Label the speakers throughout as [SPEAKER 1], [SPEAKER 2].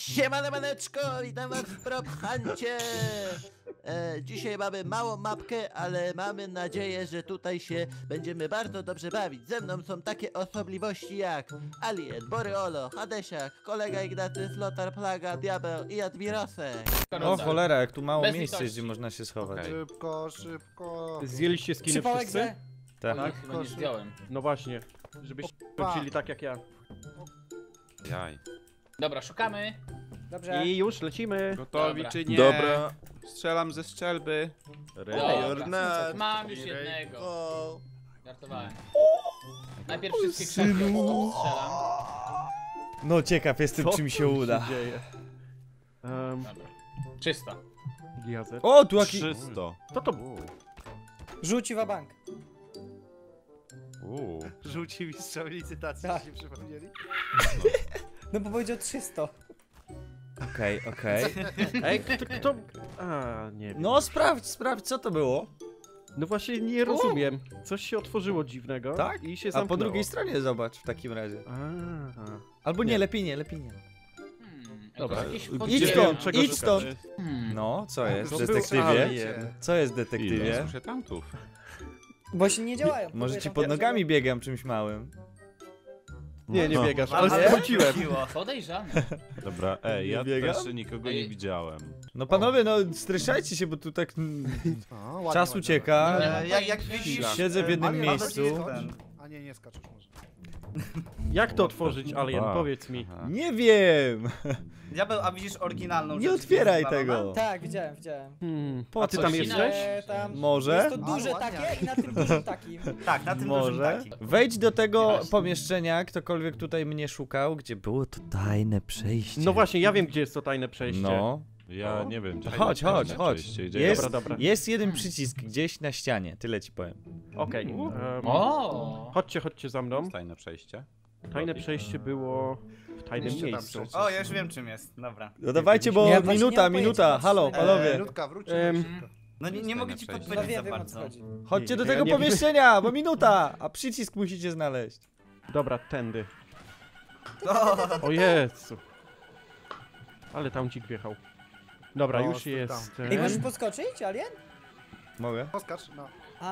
[SPEAKER 1] Siemane maneczko, witam was w PropHuncie. Dzisiaj mamy małą mapkę, ale mamy nadzieję, że tutaj się będziemy bardzo dobrze bawić. Ze mną są takie osobliwości jak Alien, Boreolo, Hadesiak, kolega Ignacy, Flotar, Plaga, Diabeł i Admirosek.
[SPEAKER 2] O cholera, jak tu mało
[SPEAKER 3] Bez
[SPEAKER 2] miejsca jest,
[SPEAKER 3] litości.
[SPEAKER 2] gdzie można się schować.
[SPEAKER 3] Okej.
[SPEAKER 4] Szybko, szybko.
[SPEAKER 5] Zjęliście skiny
[SPEAKER 6] Przypałek
[SPEAKER 5] wszyscy?
[SPEAKER 6] ze.
[SPEAKER 2] Tak.
[SPEAKER 3] Tak, chyba nie zdjąłem.
[SPEAKER 5] No właśnie, żebyście skończyli tak jak ja.
[SPEAKER 3] Jaj.
[SPEAKER 4] Dobra, szukamy.
[SPEAKER 6] Dobrze.
[SPEAKER 5] I już lecimy.
[SPEAKER 3] Gotowi
[SPEAKER 4] Dobra.
[SPEAKER 3] czy nie?
[SPEAKER 7] Dobra.
[SPEAKER 3] Strzelam ze strzelby.
[SPEAKER 4] Dobra. Mam już jednego. Żartowałem. Najpierw wszystkie krzaki strzelam.
[SPEAKER 2] No ciekaw jestem,
[SPEAKER 5] Co
[SPEAKER 2] czy mi
[SPEAKER 5] tu
[SPEAKER 2] się uda.
[SPEAKER 5] dzieje?
[SPEAKER 4] Dobra. Czysto.
[SPEAKER 5] Giazet.
[SPEAKER 2] O, tu jaki...
[SPEAKER 7] 300.
[SPEAKER 5] Co to?
[SPEAKER 6] Rzuci wabank.
[SPEAKER 4] Rzuci mi strzał licytacji,
[SPEAKER 6] Tak.
[SPEAKER 4] się przypomnieli?
[SPEAKER 6] No bo powiedział 300.
[SPEAKER 2] Okej, okej.
[SPEAKER 5] Ej, kto? A, nie wiem.
[SPEAKER 2] No sprawdź, co to było?
[SPEAKER 5] No właśnie nie rozumiem. Coś się otworzyło dziwnego.
[SPEAKER 2] Tak?
[SPEAKER 5] I się
[SPEAKER 2] A
[SPEAKER 5] zamknęło.
[SPEAKER 2] po drugiej stronie zobacz w takim razie.
[SPEAKER 5] Aha.
[SPEAKER 2] Albo nie,
[SPEAKER 5] Nie.
[SPEAKER 2] lepiej nie.
[SPEAKER 5] Dobra.
[SPEAKER 4] Jakieś
[SPEAKER 2] Idź
[SPEAKER 4] podziemie.
[SPEAKER 2] stąd,
[SPEAKER 5] czego
[SPEAKER 2] idź
[SPEAKER 5] szukać?
[SPEAKER 2] stąd.
[SPEAKER 4] Hmm.
[SPEAKER 2] No, co jest,
[SPEAKER 5] To był
[SPEAKER 2] detektywie?
[SPEAKER 5] alien.
[SPEAKER 2] Co jest,
[SPEAKER 3] Ile?
[SPEAKER 2] detektywie?
[SPEAKER 3] Słyszę tamtów.
[SPEAKER 6] Właśnie nie działają.
[SPEAKER 2] Może
[SPEAKER 6] Próbuję
[SPEAKER 2] ci
[SPEAKER 6] tam
[SPEAKER 2] pod
[SPEAKER 6] pierwszego.
[SPEAKER 2] nogami biegam czymś małym.
[SPEAKER 5] Nie, nie
[SPEAKER 7] No.
[SPEAKER 5] biegasz, ale
[SPEAKER 6] Ale-
[SPEAKER 5] sprawdziłem.
[SPEAKER 4] Podejrzane.
[SPEAKER 7] Dobra, ja
[SPEAKER 2] biegam?
[SPEAKER 7] też nikogo nie widziałem.
[SPEAKER 2] No panowie, no streszajcie się, bo tu tak czas ucieka.
[SPEAKER 4] Jak widzisz.
[SPEAKER 2] Siedzę w jednym miejscu.
[SPEAKER 4] A nie skaczesz może.
[SPEAKER 5] Jak to otworzyć, Alien?
[SPEAKER 7] Wow.
[SPEAKER 5] Powiedz mi.
[SPEAKER 3] Aha.
[SPEAKER 2] Nie wiem!
[SPEAKER 8] Diabeł, a widzisz oryginalną
[SPEAKER 2] Nie
[SPEAKER 8] rzecz,
[SPEAKER 2] otwieraj
[SPEAKER 8] gdzie jest
[SPEAKER 2] tego!
[SPEAKER 6] Tak, widziałem.
[SPEAKER 2] Po
[SPEAKER 5] A ty
[SPEAKER 2] co
[SPEAKER 5] tam
[SPEAKER 2] ci?
[SPEAKER 5] jesteś?
[SPEAKER 6] Tam
[SPEAKER 2] Może?
[SPEAKER 6] Jest to duże
[SPEAKER 4] A, ładnie.
[SPEAKER 6] takie i na tym dużym takim.
[SPEAKER 8] Tak, na tym dużym
[SPEAKER 2] Może?
[SPEAKER 8] takim.
[SPEAKER 2] Wejdź do tego
[SPEAKER 4] Jasne.
[SPEAKER 2] pomieszczenia, ktokolwiek tutaj mnie szukał, gdzie było to tajne przejście.
[SPEAKER 5] No właśnie, ja wiem, gdzie jest to tajne przejście.
[SPEAKER 2] No.
[SPEAKER 7] Ja nie wiem, gdzie
[SPEAKER 2] Chodź, chodź, chodź. Jest,
[SPEAKER 5] Dobra, dobra.
[SPEAKER 2] jest jeden przycisk gdzieś na ścianie, tyle ci powiem.
[SPEAKER 5] Okej.
[SPEAKER 4] O!
[SPEAKER 5] Chodźcie za mną.
[SPEAKER 3] Tajne przejście.
[SPEAKER 5] Tajne przejście było w tajnym
[SPEAKER 4] Jeszcze tam
[SPEAKER 5] miejscu.
[SPEAKER 4] przejść.
[SPEAKER 8] O, ja już wiem czym jest, dobra.
[SPEAKER 2] No dawajcie, bo
[SPEAKER 6] Ja właśnie nie
[SPEAKER 2] minuta,
[SPEAKER 6] mam
[SPEAKER 2] minuta,
[SPEAKER 6] pojęcia,
[SPEAKER 2] halo,
[SPEAKER 6] patrzę.
[SPEAKER 2] panowie.
[SPEAKER 4] Minutka, wróć.
[SPEAKER 8] No nie mogę ci
[SPEAKER 3] przejście.
[SPEAKER 6] No
[SPEAKER 8] podpowiedzieć za
[SPEAKER 6] wiem o co
[SPEAKER 8] bardzo.
[SPEAKER 6] chodzi.
[SPEAKER 2] Chodźcie do
[SPEAKER 5] Ja
[SPEAKER 2] tego
[SPEAKER 5] nie wiem.
[SPEAKER 2] pomieszczenia, bo minuta, a przycisk musicie znaleźć.
[SPEAKER 5] Dobra, tędy.
[SPEAKER 8] O,
[SPEAKER 5] O Jezu. Ale tam dzik wjechał. Dobra,
[SPEAKER 4] No,
[SPEAKER 5] już
[SPEAKER 4] tam.
[SPEAKER 5] jest.
[SPEAKER 6] Ej, możesz podskoczyć, Alien?
[SPEAKER 2] Mogę?
[SPEAKER 4] Poskacz, no.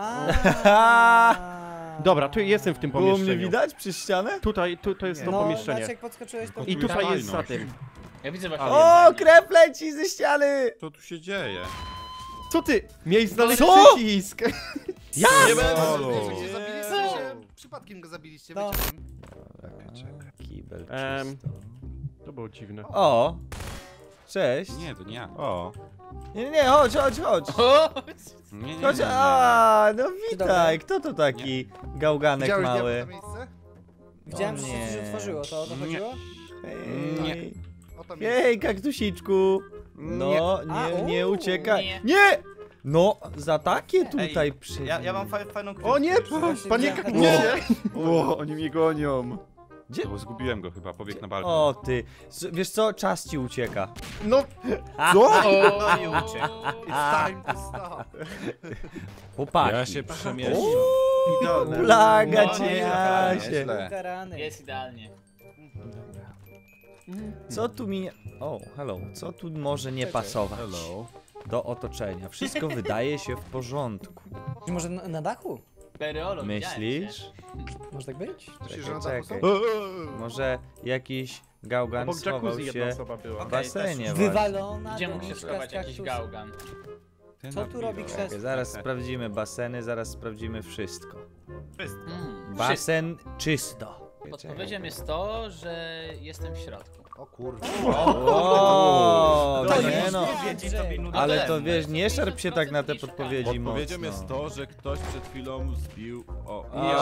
[SPEAKER 5] Dobra, tu jestem w tym
[SPEAKER 2] Było mnie
[SPEAKER 5] pomieszczeniu.
[SPEAKER 2] widać przez ścianę?
[SPEAKER 5] Tutaj, to jest
[SPEAKER 4] Nie.
[SPEAKER 5] to
[SPEAKER 6] No,
[SPEAKER 5] pomieszczenie.
[SPEAKER 6] znaczy jak podskoczyłeś to...
[SPEAKER 5] I tutaj jest za tym.
[SPEAKER 4] Ja widzę właśnie.
[SPEAKER 2] O, krew leci ze ściany!
[SPEAKER 3] Co tu się dzieje?
[SPEAKER 5] Co ty? Miałeś znaleźć
[SPEAKER 2] Co?
[SPEAKER 5] przycisk.
[SPEAKER 2] Ja!
[SPEAKER 4] Nie
[SPEAKER 7] Halo.
[SPEAKER 4] będę, zabiliście. Przypadkiem go zabiliście,
[SPEAKER 6] No.
[SPEAKER 4] wyciąłem.
[SPEAKER 2] Kibel
[SPEAKER 5] Em,
[SPEAKER 2] czysto.
[SPEAKER 5] To było dziwne.
[SPEAKER 2] O! Cześć.
[SPEAKER 3] Nie, to nie ja.
[SPEAKER 7] O,
[SPEAKER 2] Nie, chodź.
[SPEAKER 4] O!
[SPEAKER 3] Nie.
[SPEAKER 2] Chodź, a, no witaj, kto to taki gałganek
[SPEAKER 4] Widziałeś
[SPEAKER 2] mały?
[SPEAKER 4] diabła to miejsce?
[SPEAKER 6] Widziałem, że
[SPEAKER 2] O
[SPEAKER 6] się coś
[SPEAKER 2] nie.
[SPEAKER 6] otworzyło, to o to
[SPEAKER 3] Nie.
[SPEAKER 6] chodziło?
[SPEAKER 2] Hej,
[SPEAKER 4] O to miejsce.
[SPEAKER 2] hej, kaktusiczku. No, nie
[SPEAKER 6] u,
[SPEAKER 2] uciekaj.
[SPEAKER 4] nie.
[SPEAKER 2] Nie! No, za takie tutaj
[SPEAKER 8] Ja mam fajną kryjówkę.
[SPEAKER 5] O nie!
[SPEAKER 6] Właśnie
[SPEAKER 5] Panie
[SPEAKER 6] widziałem,
[SPEAKER 5] kaktusie!
[SPEAKER 7] o, oni mnie gonią.
[SPEAKER 2] Gdzie?
[SPEAKER 3] To zgubiłem go chyba, pobiegł na balkon.
[SPEAKER 2] O ty, wiesz co, czas ci ucieka.
[SPEAKER 5] No,
[SPEAKER 2] Co?
[SPEAKER 8] No i uciekł.
[SPEAKER 4] It's time to stop.
[SPEAKER 2] Chłopaki.
[SPEAKER 7] Ja się przemieszczę.
[SPEAKER 2] Plaga
[SPEAKER 4] No,
[SPEAKER 2] cię,
[SPEAKER 4] nie,
[SPEAKER 2] Jasie.
[SPEAKER 3] nieźle.
[SPEAKER 6] Ukarany.
[SPEAKER 4] Jest idealnie.
[SPEAKER 2] Co tu mi... O, hello. Co tu może nie pasować
[SPEAKER 7] Hello.
[SPEAKER 2] do otoczenia? Wszystko wydaje się w porządku.
[SPEAKER 6] Czy może na dachu?
[SPEAKER 4] Bereolo,
[SPEAKER 2] Myślisz?
[SPEAKER 6] Może tak być?
[SPEAKER 4] Myślisz, że na dachu są?
[SPEAKER 2] Czekaj. Może jakiś gałgan
[SPEAKER 5] obok
[SPEAKER 2] schował
[SPEAKER 5] jacuzzi jedna
[SPEAKER 2] się
[SPEAKER 5] osoba była.
[SPEAKER 2] w basenie właśnie.
[SPEAKER 6] Wywalona
[SPEAKER 4] Gdzie mógł się
[SPEAKER 6] doniczka
[SPEAKER 4] schować
[SPEAKER 6] z
[SPEAKER 4] jakiś
[SPEAKER 6] kaktusu.
[SPEAKER 4] gałgan?
[SPEAKER 6] Co tu robi
[SPEAKER 2] Czekaj,
[SPEAKER 6] krzesło?
[SPEAKER 2] zaraz sprawdzimy baseny, zaraz sprawdzimy wszystko.
[SPEAKER 4] Wszystko.
[SPEAKER 2] Basen czysto.
[SPEAKER 4] Podpowiedzią jest to, że jestem w środku. O kurwa.
[SPEAKER 2] O,
[SPEAKER 6] To
[SPEAKER 2] nie
[SPEAKER 6] jest
[SPEAKER 2] no.
[SPEAKER 8] Wiedzi to minuta.
[SPEAKER 2] Ale to wiesz, nie szarp się tak na te podpowiedzi
[SPEAKER 7] Odpowiedzią
[SPEAKER 2] mocno.
[SPEAKER 7] jest to, że ktoś przed chwilą zbił... O,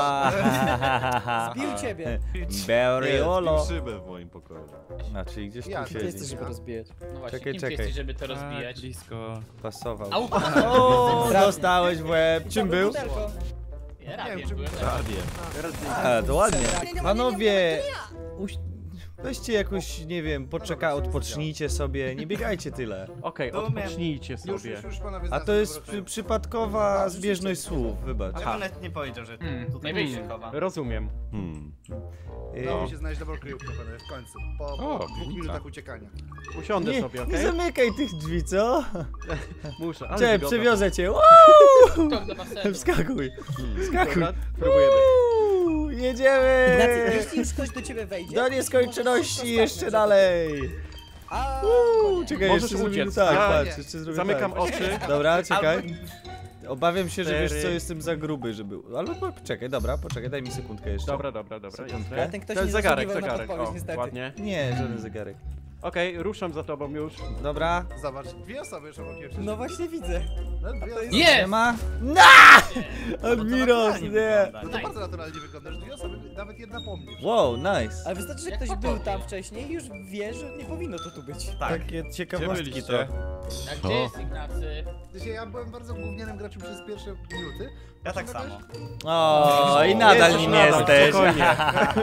[SPEAKER 6] Zbił ciebie.
[SPEAKER 2] Beriolo.
[SPEAKER 7] zbił szybę w moim pokoju.
[SPEAKER 2] No, czyli gdzieś
[SPEAKER 4] Ja,
[SPEAKER 2] tu
[SPEAKER 6] Ty jesteś,
[SPEAKER 2] siedzi.
[SPEAKER 6] żeby rozbijać.
[SPEAKER 4] No właśnie,
[SPEAKER 2] Czekaj,
[SPEAKER 4] kim
[SPEAKER 2] czekaj.
[SPEAKER 4] ty jesteś, żeby to rozbijać?
[SPEAKER 3] Blisko.
[SPEAKER 2] Pasował.
[SPEAKER 4] Au!
[SPEAKER 2] O, dostałeś w łeb. Czym był?
[SPEAKER 6] Butelko.
[SPEAKER 4] Ja radiem czym byłem.
[SPEAKER 7] Prawie.
[SPEAKER 2] A, to ładnie. Panowie, Weźcie jakoś, nie wiem, odpocznijcie sobie, nie biegajcie tyle.
[SPEAKER 5] Okej,
[SPEAKER 8] To umiem.
[SPEAKER 5] odpocznijcie sobie.
[SPEAKER 9] Już panowie
[SPEAKER 2] A to jest przypadkowa zbieżność słów, wybacz.
[SPEAKER 8] Ja bym nawet nie powiedział, że tutaj
[SPEAKER 4] nie
[SPEAKER 8] się chowa.
[SPEAKER 5] Rozumiem.
[SPEAKER 9] Udało mi się znaleźć dobrą kryjówkę, panowie, w końcu. Po
[SPEAKER 3] O,
[SPEAKER 9] 2
[SPEAKER 3] piwnica.
[SPEAKER 9] minutach uciekania.
[SPEAKER 5] Usiądę
[SPEAKER 2] Nie,
[SPEAKER 5] sobie,
[SPEAKER 2] nie
[SPEAKER 5] okej?
[SPEAKER 2] zamykaj tych drzwi, co?
[SPEAKER 5] Muszę, ale
[SPEAKER 2] Cześć,
[SPEAKER 5] wygodna.
[SPEAKER 2] przewiozę cię.
[SPEAKER 4] Tok do basenu.
[SPEAKER 2] Wskakuj, wskakuj.
[SPEAKER 5] Dobra, próbujemy.
[SPEAKER 2] Jedziemy!
[SPEAKER 6] Ignacy, jeśli już ktoś do ciebie wejdzie...
[SPEAKER 2] Do
[SPEAKER 6] to
[SPEAKER 2] nieskończoności
[SPEAKER 6] możesz
[SPEAKER 2] jeszcze
[SPEAKER 6] zostawić,
[SPEAKER 2] dalej.
[SPEAKER 6] A,
[SPEAKER 2] Czekaj,
[SPEAKER 5] Możesz
[SPEAKER 2] jeszcze zrobimy
[SPEAKER 5] uciec.
[SPEAKER 2] tak,
[SPEAKER 5] Ja
[SPEAKER 2] patrz, jeszcze zrobimy
[SPEAKER 5] Zamykam
[SPEAKER 2] tak.
[SPEAKER 5] oczy.
[SPEAKER 2] Dobra, czekaj. Obawiam się, że wiesz
[SPEAKER 5] 4.
[SPEAKER 2] co, jestem za gruby, żeby... Albo czekaj, dobra, poczekaj, daj mi sekundkę jeszcze.
[SPEAKER 5] Dobra, jasne.
[SPEAKER 6] Ale ten ktoś nie
[SPEAKER 5] zegarek,
[SPEAKER 6] zasługiwał na
[SPEAKER 5] zegarek.
[SPEAKER 6] podpowiedź,
[SPEAKER 5] O,
[SPEAKER 6] niestety.
[SPEAKER 5] ładnie.
[SPEAKER 2] Nie, żaden zegarek.
[SPEAKER 5] Okej, ruszam za tobą już.
[SPEAKER 2] Dobra.
[SPEAKER 9] Zobacz, 2 osoby już obok mnie
[SPEAKER 6] No właśnie widzę.
[SPEAKER 9] No, 2 osoby.
[SPEAKER 2] Nie
[SPEAKER 4] Jest!
[SPEAKER 2] ma? Admiros, nie!
[SPEAKER 9] No to bardzo naturalnie wygląda, że 2 osoby, nawet jedna po mnie.
[SPEAKER 2] Wow, nice.
[SPEAKER 6] Ale wystarczy, że
[SPEAKER 4] Jak
[SPEAKER 6] ktoś
[SPEAKER 4] po
[SPEAKER 6] był
[SPEAKER 4] tobie.
[SPEAKER 6] tam wcześniej i już wie, że nie powinno to tu być.
[SPEAKER 8] Tak.
[SPEAKER 2] Takie
[SPEAKER 3] Gdzie
[SPEAKER 2] ciekawostki to.
[SPEAKER 3] byliście?
[SPEAKER 4] A gdzie jest Ignacy?
[SPEAKER 9] Ja byłem bardzo gównianym graczem przez pierwsze minuty.
[SPEAKER 8] Ja tak samo.
[SPEAKER 2] O, i nadal
[SPEAKER 5] Jezus,
[SPEAKER 2] nim
[SPEAKER 5] nadal,
[SPEAKER 2] jesteś.
[SPEAKER 5] spokojnie.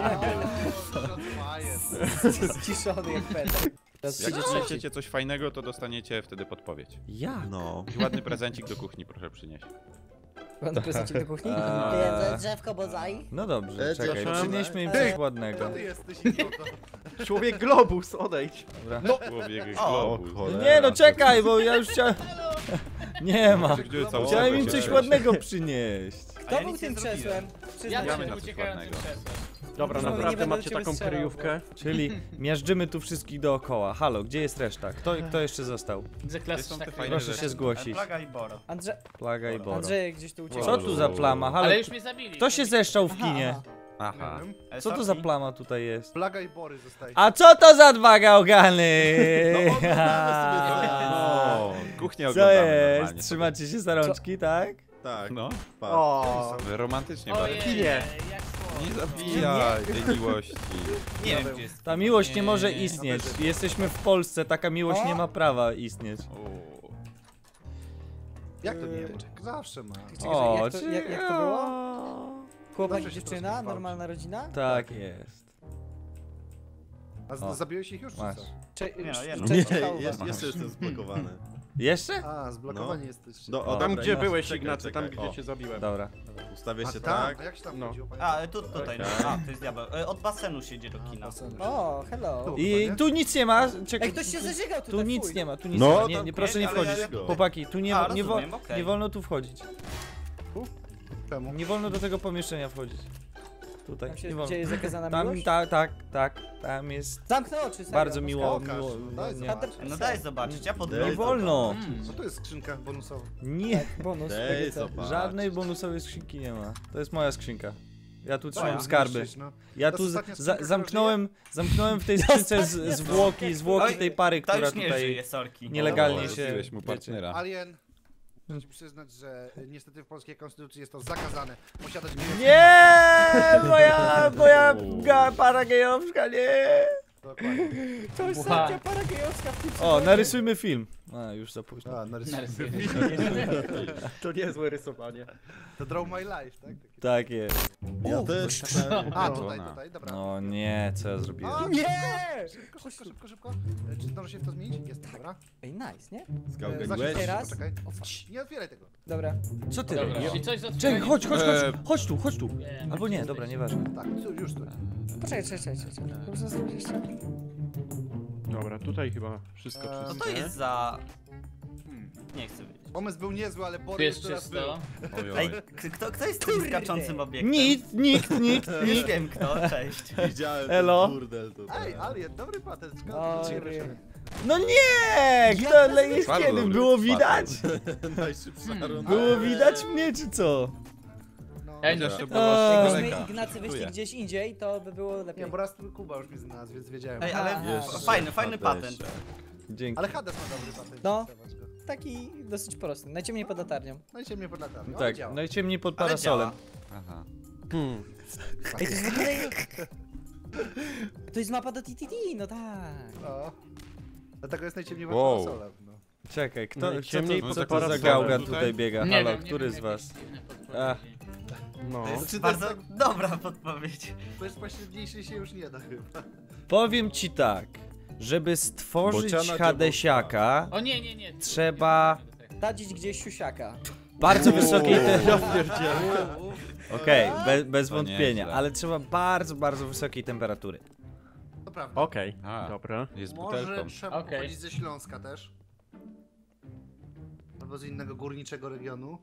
[SPEAKER 6] Ściszony jak Peter. Teraz
[SPEAKER 3] Jak
[SPEAKER 6] przyjdzie trzeci.
[SPEAKER 3] znajdziecie coś fajnego, to dostaniecie wtedy podpowiedź.
[SPEAKER 2] Ja?
[SPEAKER 7] No.
[SPEAKER 3] I ładny prezencik do kuchni proszę przynieść.
[SPEAKER 6] Pan prezencik do kuchni?
[SPEAKER 10] Drzewko bozai.
[SPEAKER 2] No dobrze, czekaj,
[SPEAKER 5] proszę.
[SPEAKER 2] przynieśmy im coś ładnego.
[SPEAKER 9] To ty jesteś idioto.
[SPEAKER 5] Człowiek globus, odejdź.
[SPEAKER 2] Dobra.
[SPEAKER 3] Człowiek
[SPEAKER 8] O,
[SPEAKER 3] globus.
[SPEAKER 7] cholera.
[SPEAKER 2] Nie no, czekaj, bo ja już chciałem... Nie ma.
[SPEAKER 3] Gdzie cały
[SPEAKER 2] Chciałem im
[SPEAKER 3] czas
[SPEAKER 2] coś
[SPEAKER 3] się
[SPEAKER 2] ładnego przynieść.
[SPEAKER 6] Kto
[SPEAKER 8] ja
[SPEAKER 6] był
[SPEAKER 8] nic nie
[SPEAKER 6] tym
[SPEAKER 8] zrobiłem.
[SPEAKER 6] krzesłem?
[SPEAKER 4] Ja
[SPEAKER 6] Przyznaj
[SPEAKER 3] Mamy
[SPEAKER 6] się.
[SPEAKER 3] na
[SPEAKER 4] tym
[SPEAKER 3] coś
[SPEAKER 4] uciekającym
[SPEAKER 3] ładnego.
[SPEAKER 4] krzesłem.
[SPEAKER 5] Dobra,
[SPEAKER 6] Znowu nie
[SPEAKER 5] naprawdę
[SPEAKER 6] będę
[SPEAKER 5] macie
[SPEAKER 6] do ciebie
[SPEAKER 5] taką
[SPEAKER 6] strzelał,
[SPEAKER 5] kryjówkę?
[SPEAKER 2] Czyli miażdżymy tu wszystkich dookoła. Halo, gdzie jest reszta? Kto jeszcze został?
[SPEAKER 4] Widzę
[SPEAKER 3] Gdzie
[SPEAKER 4] klasy
[SPEAKER 3] są te
[SPEAKER 4] tak
[SPEAKER 3] fajne
[SPEAKER 2] Proszę
[SPEAKER 3] rzeczy?
[SPEAKER 2] się zgłosić.
[SPEAKER 8] Plaga i Boro.
[SPEAKER 2] Plaga i Boro.
[SPEAKER 6] Andrzej gdzieś tu uciekł.
[SPEAKER 2] Co tu za plama? Halo,
[SPEAKER 4] Ale już mnie zabili.
[SPEAKER 2] kto się zeszczał w kinie?
[SPEAKER 3] Aha.
[SPEAKER 2] Co to za plama tutaj jest?
[SPEAKER 9] Plaga i Bory zostaje.
[SPEAKER 2] A co to za dwa gałgany?
[SPEAKER 3] O, kuchnię
[SPEAKER 2] Co
[SPEAKER 3] oglądamy
[SPEAKER 2] jest?
[SPEAKER 3] normalnie.
[SPEAKER 2] Trzymacie się za rączki, tak?
[SPEAKER 7] Tak.
[SPEAKER 3] No,
[SPEAKER 7] Patrz.
[SPEAKER 5] O,
[SPEAKER 3] wy romantycznie bardzo.
[SPEAKER 4] Ojej,
[SPEAKER 5] Kinie.
[SPEAKER 4] jak słowo.
[SPEAKER 3] Nie zabijaj tej miłości.
[SPEAKER 8] Nie wiem gdzie jest.
[SPEAKER 2] Ta miłość nie może
[SPEAKER 4] Nie,
[SPEAKER 2] istnieć. Jesteśmy w Polsce, taka miłość
[SPEAKER 6] O!
[SPEAKER 2] nie ma prawa istnieć.
[SPEAKER 3] O.
[SPEAKER 9] Jak to nie? Zawsze ma.
[SPEAKER 2] O,
[SPEAKER 6] jak to było? Chłopak i
[SPEAKER 9] Zawsze się
[SPEAKER 6] dziewczyna?
[SPEAKER 9] troszkę
[SPEAKER 6] Normalna rodzina?
[SPEAKER 2] Tak jest.
[SPEAKER 9] A
[SPEAKER 2] O.
[SPEAKER 9] zabiłeś ich już, czy
[SPEAKER 2] Masz.
[SPEAKER 9] co?
[SPEAKER 8] Nie, no, jedno.
[SPEAKER 7] Nie,
[SPEAKER 6] Cześć, Paula.
[SPEAKER 7] jeszcze jestem zblokowany.
[SPEAKER 2] Jeszcze?
[SPEAKER 9] A, zblokowani jesteś.
[SPEAKER 7] No,
[SPEAKER 2] O,
[SPEAKER 5] tam
[SPEAKER 7] dobra,
[SPEAKER 5] gdzie
[SPEAKER 7] Ignacy,
[SPEAKER 5] byłeś,
[SPEAKER 7] czekaj,
[SPEAKER 5] Ignacy, tam
[SPEAKER 7] czekaj.
[SPEAKER 5] gdzie
[SPEAKER 7] O,
[SPEAKER 5] cię zabiłem.
[SPEAKER 2] Dobra.
[SPEAKER 7] Ustawię się
[SPEAKER 9] tam?
[SPEAKER 7] tak.
[SPEAKER 9] A jak się tam
[SPEAKER 5] No.
[SPEAKER 9] chodziło, panie?
[SPEAKER 8] A, tutaj.
[SPEAKER 7] Tak.
[SPEAKER 8] A, to jest diabeł. Od basenu się idzie do kina.
[SPEAKER 6] O, hello.
[SPEAKER 9] Tu.
[SPEAKER 2] I tu nic nie ma. Czekaj.
[SPEAKER 6] Ej, ktoś się zażygał tutaj,
[SPEAKER 2] Tu nic
[SPEAKER 6] fuj.
[SPEAKER 2] nie ma, tu nic
[SPEAKER 7] No,
[SPEAKER 2] nie ma. Nie,
[SPEAKER 7] tam
[SPEAKER 2] nie, proszę nie
[SPEAKER 8] ale
[SPEAKER 2] wchodzić.
[SPEAKER 7] ja-
[SPEAKER 2] Chłopaki, tu nie,
[SPEAKER 8] A,
[SPEAKER 2] nie,
[SPEAKER 8] rozumiem, okej.
[SPEAKER 2] nie wolno tu wchodzić.
[SPEAKER 9] Czemu?
[SPEAKER 2] Nie wolno do tego pomieszczenia wchodzić. Tutaj,
[SPEAKER 6] Tam
[SPEAKER 2] nie
[SPEAKER 6] się
[SPEAKER 2] wolno.
[SPEAKER 6] dzieje zakazana
[SPEAKER 2] Tam,
[SPEAKER 6] miłość?
[SPEAKER 2] tak, tam jest
[SPEAKER 6] Zamknę oczy, serio.
[SPEAKER 2] bardzo
[SPEAKER 6] no
[SPEAKER 2] miło,
[SPEAKER 9] Pokaż,
[SPEAKER 2] miło,
[SPEAKER 9] no daj
[SPEAKER 2] nie,
[SPEAKER 9] zobaczyć.
[SPEAKER 8] No daj zobaczyć, ja
[SPEAKER 2] nie
[SPEAKER 8] podróżuję.
[SPEAKER 2] wolno,
[SPEAKER 9] No to jest skrzynka bonusowa.
[SPEAKER 2] nie,
[SPEAKER 6] Bonus.
[SPEAKER 7] Dej,
[SPEAKER 6] PGC.
[SPEAKER 7] zobacz.
[SPEAKER 2] żadnej bonusowej skrzynki nie ma, to jest moja skrzynka. Ja tu trzymam
[SPEAKER 8] ja.
[SPEAKER 2] skarby.
[SPEAKER 9] Niszczyć, no.
[SPEAKER 2] Ja
[SPEAKER 9] To
[SPEAKER 2] tu
[SPEAKER 9] jest ostatnia skrzynka,
[SPEAKER 2] zamknąłem w tej skrzynce zwłoki
[SPEAKER 8] Oj,
[SPEAKER 2] tej pary,
[SPEAKER 8] To
[SPEAKER 2] która
[SPEAKER 8] już nie
[SPEAKER 2] tutaj
[SPEAKER 8] żyje, sorki.
[SPEAKER 2] nielegalnie
[SPEAKER 3] O,
[SPEAKER 2] się...
[SPEAKER 3] zabiłeś mu
[SPEAKER 2] wiecie.
[SPEAKER 3] partnera.
[SPEAKER 9] Alien, muszę ci przyznać, że niestety w polskiej konstytucji jest to zakazane. Posiadać miłość.
[SPEAKER 2] Nie, moja para gejowska, nie.
[SPEAKER 9] Dokładnie.
[SPEAKER 6] To jest
[SPEAKER 4] Bucha.
[SPEAKER 6] sędzia paragejowska w tym
[SPEAKER 2] O, narysujmy film. A, już za późno.
[SPEAKER 9] A, narysuję.
[SPEAKER 5] To niezłe rysowanie.
[SPEAKER 9] To draw my life, tak? Taki-
[SPEAKER 2] Tak jest.
[SPEAKER 7] Ja też.
[SPEAKER 9] A, tutaj, dobra.
[SPEAKER 2] No nie, co ja zrobiłem?
[SPEAKER 9] A,
[SPEAKER 6] Nie!
[SPEAKER 9] Szybko. Czy zdąży się w to zmienić? Jest, dobra.
[SPEAKER 6] Ej, nice, nie?
[SPEAKER 7] Zgałganiłeś?
[SPEAKER 6] Teraz?
[SPEAKER 9] Poczekaj.
[SPEAKER 6] O, fuck.
[SPEAKER 9] Nie otwieraj tego.
[SPEAKER 6] Dobra.
[SPEAKER 2] Co ty
[SPEAKER 4] Dobra,
[SPEAKER 2] robisz?
[SPEAKER 4] czyli coś z
[SPEAKER 2] Czekaj,
[SPEAKER 4] otwieraniem-
[SPEAKER 2] chodź tu.
[SPEAKER 4] Wiem,
[SPEAKER 2] Albo nie,
[SPEAKER 4] gdzie
[SPEAKER 2] dobra,
[SPEAKER 4] jesteś.
[SPEAKER 2] nieważne.
[SPEAKER 9] Tak, już tu.
[SPEAKER 6] Poczekaj. Muszę zrobić jeszcze.
[SPEAKER 5] Dobra, tutaj chyba wszystko
[SPEAKER 9] Co
[SPEAKER 8] Co
[SPEAKER 5] czyste.
[SPEAKER 8] to jest za... Nie chcę wiedzieć.
[SPEAKER 9] Pomysł był niezły, ale
[SPEAKER 4] Tu
[SPEAKER 9] Bory
[SPEAKER 4] jest
[SPEAKER 9] już teraz był.
[SPEAKER 4] czysto.
[SPEAKER 8] Ej, kto jest tym skaczącym obiektem?
[SPEAKER 2] Nikt.
[SPEAKER 8] Już wiem kto, cześć.
[SPEAKER 7] Widziałem
[SPEAKER 2] Elo.
[SPEAKER 7] ten burdel tutaj.
[SPEAKER 9] Ej, Alien, dobry patent.
[SPEAKER 6] O,
[SPEAKER 2] No nie! Kto jest
[SPEAKER 3] Bardzo
[SPEAKER 2] kiedy?
[SPEAKER 3] dobry
[SPEAKER 2] Było
[SPEAKER 3] patent.
[SPEAKER 2] widać?
[SPEAKER 7] Najszybsza runda.
[SPEAKER 2] Było widać mnie, czy co?
[SPEAKER 4] Ej, no
[SPEAKER 3] Chociaż to
[SPEAKER 4] szybko.
[SPEAKER 3] było z
[SPEAKER 6] Jakbyśmy
[SPEAKER 3] daleka.
[SPEAKER 6] Ignacy wyszli
[SPEAKER 3] Dziękuję.
[SPEAKER 6] gdzieś indziej, to by było lepiej.
[SPEAKER 9] Nie, bo raz Kuba już mi znalazł, więc wiedziałem.
[SPEAKER 8] Ej, ale
[SPEAKER 6] Jeszcze
[SPEAKER 8] fajny patent.
[SPEAKER 2] Dzięki.
[SPEAKER 9] Ale Hades ma dobry patent.
[SPEAKER 6] No.
[SPEAKER 9] zobacz go.
[SPEAKER 6] Taki dosyć prosty. Najciemniej pod latarnią.
[SPEAKER 9] No i ciemnie pod latarnią.
[SPEAKER 2] Tak,
[SPEAKER 9] działa.
[SPEAKER 2] najciemniej pod
[SPEAKER 8] Ale
[SPEAKER 2] parasolem.
[SPEAKER 8] działa.
[SPEAKER 3] Aha.
[SPEAKER 6] Ej, to jest w ogóle... To jest mapa do TTT, no tak.
[SPEAKER 9] O. Dlatego jest najciemniej pod
[SPEAKER 3] Wow.
[SPEAKER 9] parasolem. No.
[SPEAKER 2] Czekaj,
[SPEAKER 5] Najciemniej
[SPEAKER 2] co
[SPEAKER 3] pod
[SPEAKER 2] to za
[SPEAKER 3] parasolem
[SPEAKER 2] gałga
[SPEAKER 3] tutaj?
[SPEAKER 2] tutaj biega?
[SPEAKER 4] Nie
[SPEAKER 2] Halo,
[SPEAKER 4] wiem,
[SPEAKER 2] który z
[SPEAKER 4] jakieś
[SPEAKER 2] was?
[SPEAKER 4] dziwne
[SPEAKER 2] A.
[SPEAKER 4] podpowiedzi.
[SPEAKER 5] No.
[SPEAKER 8] To jest
[SPEAKER 9] Czy to
[SPEAKER 8] bardzo
[SPEAKER 9] jest
[SPEAKER 8] dobra podpowiedź.
[SPEAKER 9] To jest pośredniejszy się już nie da chyba.
[SPEAKER 2] Powiem ci tak, żeby stworzyć
[SPEAKER 7] Bociana
[SPEAKER 2] Hadesiaka,
[SPEAKER 4] O nie.
[SPEAKER 2] Trzeba-
[SPEAKER 6] Sadzić gdzieś siusiaka.
[SPEAKER 2] bardzo wysokiej
[SPEAKER 5] Ja pierdzielę.
[SPEAKER 2] Okej, bez
[SPEAKER 3] To
[SPEAKER 2] wątpienia,
[SPEAKER 3] nieźle.
[SPEAKER 2] ale trzeba bardzo, bardzo wysokiej temperatury.
[SPEAKER 9] To prawda.
[SPEAKER 5] Okej,
[SPEAKER 3] A.
[SPEAKER 5] dobra.
[SPEAKER 3] Jest
[SPEAKER 9] Może
[SPEAKER 3] butelką.
[SPEAKER 9] trzeba
[SPEAKER 4] Okej.
[SPEAKER 9] pochodzić ze Śląska też. Albo z innego górniczego regionu.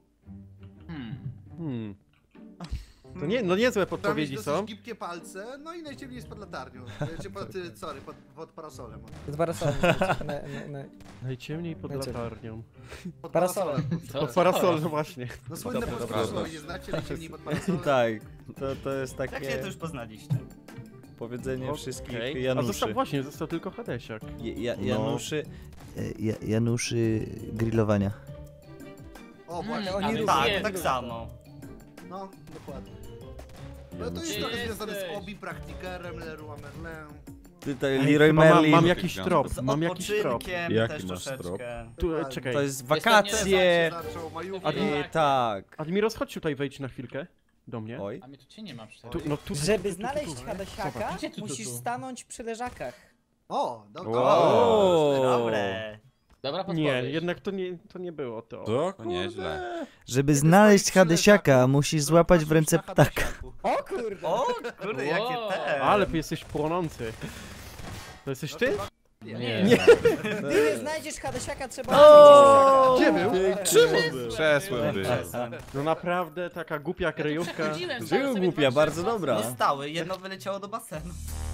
[SPEAKER 5] To nie, no niezłe
[SPEAKER 9] Trzeba mieć
[SPEAKER 5] podpowiedzi
[SPEAKER 9] dosyć
[SPEAKER 5] są.
[SPEAKER 9] gibkie palce, no i najciemniej jest pod latarnią. Czy pod parasolem.
[SPEAKER 6] Z parasolem.
[SPEAKER 5] Najciemniej pod
[SPEAKER 6] Najciemniej.
[SPEAKER 5] latarnią.
[SPEAKER 9] Pod
[SPEAKER 6] Parasolem.
[SPEAKER 5] Pod parasolem, no właśnie.
[SPEAKER 9] No słynne
[SPEAKER 3] Dobra,
[SPEAKER 9] polskie
[SPEAKER 3] dobra.
[SPEAKER 9] przysłowie, nie znacie najciemniej pod parasolem?
[SPEAKER 2] Tak, to jest
[SPEAKER 8] Jak się
[SPEAKER 2] takie
[SPEAKER 8] to już poznaliście?
[SPEAKER 2] powiedzenie wszystkich
[SPEAKER 5] Okej. A
[SPEAKER 2] Januszy.
[SPEAKER 5] został tylko Hadesiak.
[SPEAKER 2] Januszy... Januszy grillowania.
[SPEAKER 9] O, właśnie,
[SPEAKER 6] Oni
[SPEAKER 4] ale
[SPEAKER 6] różni.
[SPEAKER 8] Tak,
[SPEAKER 4] nie.
[SPEAKER 8] tak samo.
[SPEAKER 9] no, dokładnie. No to jest
[SPEAKER 4] Gdzie
[SPEAKER 9] trochę związane z
[SPEAKER 4] jesteś?
[SPEAKER 9] Obi, Praktikerem, Leroy Merlin.
[SPEAKER 2] Tutaj Leroy
[SPEAKER 5] Chyba
[SPEAKER 2] Merlin.
[SPEAKER 5] mam jakiś
[SPEAKER 3] Z
[SPEAKER 5] trop,
[SPEAKER 8] Z
[SPEAKER 5] mam jakiś trop.
[SPEAKER 8] odpoczynkiem
[SPEAKER 7] Jaki
[SPEAKER 8] też
[SPEAKER 7] masz
[SPEAKER 8] troszeczkę.
[SPEAKER 5] Tu, czekaj.
[SPEAKER 2] To jest
[SPEAKER 4] to
[SPEAKER 2] wakacje.
[SPEAKER 9] Zaczął majówki.
[SPEAKER 5] Admi-
[SPEAKER 2] Tak.
[SPEAKER 5] Admiros, chodź tutaj, wejdź na chwilkę. Do mnie.
[SPEAKER 2] Oj.
[SPEAKER 4] A mnie tu cię nie ma przecież.
[SPEAKER 5] Tu, no tu,
[SPEAKER 6] Żeby znaleźć Hadesiaka,
[SPEAKER 4] Zobacz. Gdzie tu,
[SPEAKER 6] musisz
[SPEAKER 4] tu?
[SPEAKER 6] stanąć przy leżakach.
[SPEAKER 9] O, dobra.
[SPEAKER 2] Wow.
[SPEAKER 8] Dobre.
[SPEAKER 4] Dobra podpowiedź.
[SPEAKER 5] Nie, jednak to nie było to.
[SPEAKER 7] To
[SPEAKER 3] To nieźle.
[SPEAKER 2] Żeby
[SPEAKER 9] znaleźć Hadesiaka,
[SPEAKER 2] musisz
[SPEAKER 9] złapać w ręce ptaka.
[SPEAKER 6] O kurde!
[SPEAKER 8] O, kurde, jakie
[SPEAKER 4] Wow.
[SPEAKER 8] te.
[SPEAKER 5] Ale ty jesteś płonący. To jesteś ty?
[SPEAKER 4] Nie.
[SPEAKER 6] Gdy nie znajdziesz Hadesiaka, trzeba
[SPEAKER 2] O!
[SPEAKER 6] znaleźć
[SPEAKER 5] Gdzie był?
[SPEAKER 7] czym był?
[SPEAKER 3] Krzesłem był.
[SPEAKER 5] No naprawdę, taka głupia kryjówka.
[SPEAKER 4] Przechodziłem,
[SPEAKER 2] Żył
[SPEAKER 4] stałem sobie
[SPEAKER 2] głupia,
[SPEAKER 4] dwa
[SPEAKER 2] bardzo
[SPEAKER 4] krzesła.
[SPEAKER 2] dobra.
[SPEAKER 8] Nie stały, jedno wyleciało do basenu.